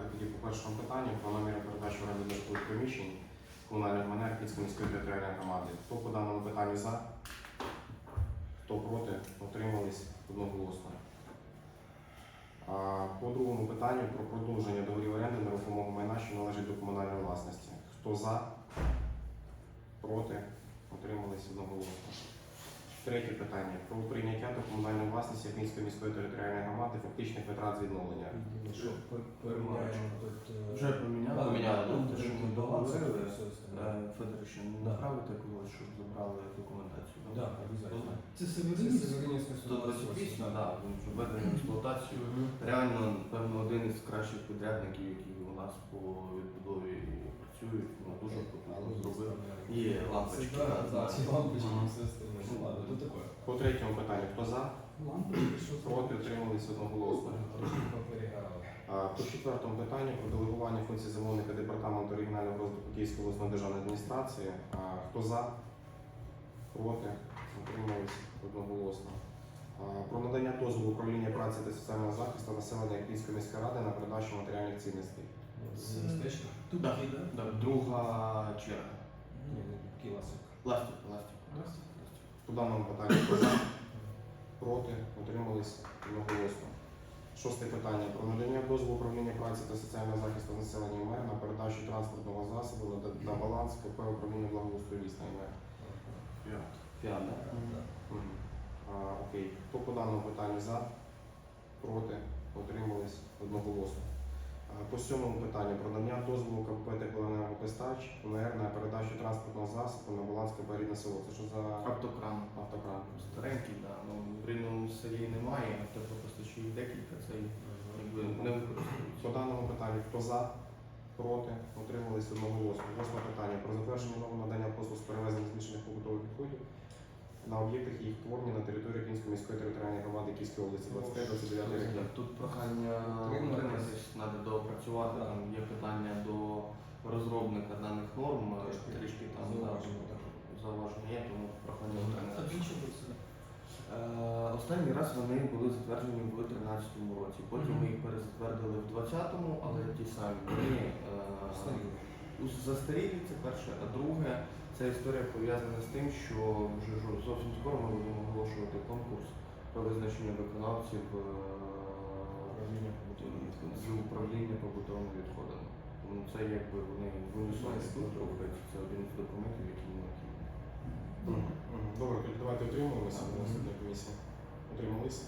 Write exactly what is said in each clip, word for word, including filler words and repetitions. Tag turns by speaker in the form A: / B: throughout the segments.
A: тоді по першому питанню про наміри передачі в оренду житлових приміщень комунальних майна Ірпінської міської територіальної громади. Хто по даному питанню за? Хто проти? Утримались одноголосно. А по другому питанню про продовження договорів оренди нерухомого майна, що належить до комунальної власності. Хто за? Проти? Утримались одноголосно. Третє питання. Про прийняття до комунальної власності Ірпінської міської територіальної громади фактичних витрат з відновлення.
B: Що поміняємо тут? е,
C: Вже поміняли.
A: Поміняли,
C: Ну,
B: тут
C: те, що ми
B: баланс,
C: договорили.
B: все остальне.
C: Е, Федорович,
B: Да.
C: направити когось, щоб забрали документацію.
B: Да, обов'язково.
C: Це
B: Це
C: Северинівська
B: Северинівська
C: сто двадцять вісім, так, він вже введений в експлуатацію. Реально, певно, один із кращих підрядників, які у нас по відбудові працюють, ну, дуже потужно зробив. Є лампочки.
B: Да,
C: да,
B: да, ці лампочки,
C: Ага.
B: все остальне. Ну ладно, тут таке.
A: По третьому питанню. Хто за?
B: Лампочки, що
A: Проти? Утримались одноголосно.
B: Трошки попереграли.
A: А, По четвертому питанню про делегування функцій замовника департаменту регіонального розвитку Київської обласної державної адміністрації. А, Хто за? Проти? Утримались одноголосно. А, Про надання дозволу управління праці та соціального захисту населення Київської міської ради на передачу матеріальних цінностей.
B: З стечки?
C: Тут да, да, друга черга.
B: Ні, не кіласик.
C: Ластик, ластик. ластик.
A: По даному питанню хто за? Проти? Утримались одноголосно. Шосте питання. Про надання дозволу управління праці та соціального захисту населення МР на передачу транспортного засобу на, на баланс КП управління благоустрою міста МР.
C: П'ят. П'ят, да?
B: Да.
A: Мгм. А, окей. Хто по даному питанню за? Проти? Утримались одноголосно. А, по сьомому питанню про надання дозволу КП «Теплоенергопостач» МР на передачу транспортного засобу на баланс КП «Рідне село». Це що за
C: Автокран.
A: автокран?
C: Старенький, да. Ну, в рівному селі немає, теплопостачів декілька, це якби не використовується.
A: По даному питанню хто за? Проти? Утримались одноголосно. Восьме питання про затвердження нового надання послуг з перевезення змішаних побутових відходів на об'єктах їх творення на території Київської міської територіальної громади Київської області двадцять п'ять двадцять дев'ять років.
C: Тут прохання
B: Утриматись.
C: утриматись, треба доопрацювати,
B: Да.
C: там є питання до розробника даних норм,
B: Трошки
C: трішки там
B: зауваження,
C: да,
B: так.
C: зауваження є, тому прохання
B: А
C: утриматись.
B: двічі буде це?
C: Е, Останній раз вони були затверджені в тринадцятому році, потім ми їх перезатвердили в двадцятому, але ті самі вони
B: Старі.
C: е, застарілі, це перше, а друге, ця історія пов'язана з тим, що вже ж- зовсім скоро ми будемо оголошувати конкурс про визначення виконавців е,
B: Управління побутовими відходами.
C: з управління побутовими відходами. Тому це якби вони в унісоні тут рухаються, це один з документів, які необхідні.
A: Мгм. Мгм. Добре, тоді давайте утримуємося на наступній комісії. Утрималися?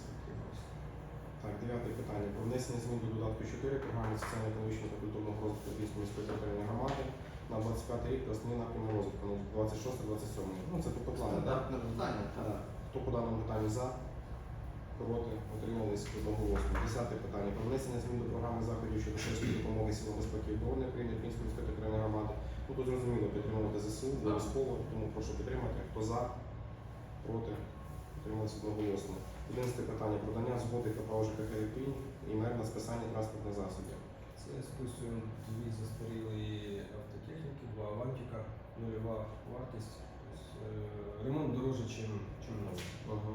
A: Так, дев'яте питання. Про внесення змін до додатку чотири програми соціально-економічного та культурного розвитку Київської міської територіальної громади на двадцять п'ятий рік та основні напрями розвитку на двадцять шостий двадцять сьомий. Ну, це тобто плани, так?
C: Стандартне питання, так.
A: Так. Хто по даному питанню за? Проти? Утримались одноголосно. Десяте питання. Про внесення змін до програми заходів щодо швидкої допомоги силам безпеки і оборони України Київської міської територіальної громади. Ну, тут зрозуміло підтримувати ЗСУ, обов'язково, тому прошу підтримати. Хто за? Проти? Утримались одноголосно. Одинадцяте питання. Про надання згоди КП ЖКХ «Ірпінь» і МЕР на списання транспортних засобів.
B: Це списуємо дві застарілі автотехніки, два авантика, нульова вартість. Тобто, е, ремонт дорожче, ніж новий.
A: Ага.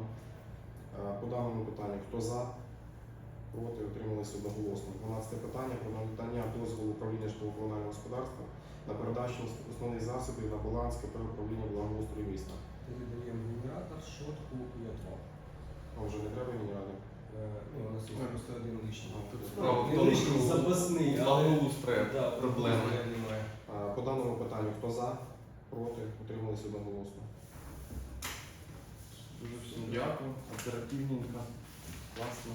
A: Е, По даному питанню, хто за? Проти? Утримались одноголосно. Дванадцяте питання. Про надання дозволу управління житлово-комунального господарства на передачу основних засобів на баланс КП управління благоустрою міста.
B: Передаємо генератор, шотку і отвал.
A: А вже не треба генерати?
B: Е, Ну, у нас є просто один лишній.
C: Тут
B: Ну,
C: справа в
B: не
C: тому,
B: лишній,
C: що
B: запасний, але
C: благоустрою
B: да,
C: проблеми.
B: немає.
A: Е, По даному питанню, хто за? Проти? Утримались одноголосно.
C: Дуже всім дякую, оперативненько, класно.